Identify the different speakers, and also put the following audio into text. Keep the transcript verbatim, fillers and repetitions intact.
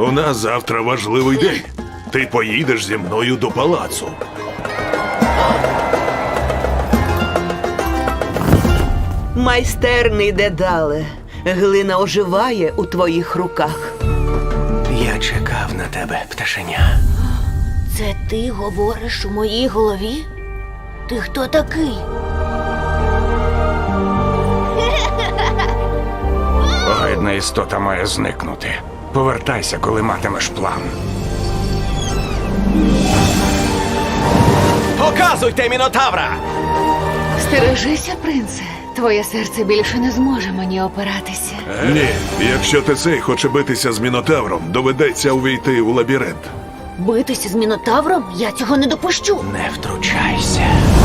Speaker 1: У нас завтра важливий день. Ти поїдеш зі мною до палацу.
Speaker 2: Майстерний Дедале, глина оживає у твоїх руках.
Speaker 3: Я чекав на тебе, пташеня.
Speaker 4: Це ти говориш у моїй голові? Ти хто такий?
Speaker 5: Огидна істота має зникнути. Повертайся, коли матимеш план.
Speaker 3: Показуйте мінотавра!
Speaker 6: Стережися, принце. Твоє серце більше не зможе мені опиратися.
Speaker 1: Ні, якщо ти цей хоче битися з Мінотавром, доведеться увійти у лабіринт.
Speaker 4: Битися з мінотавром? Я цього не допущу.
Speaker 3: Не втручайся.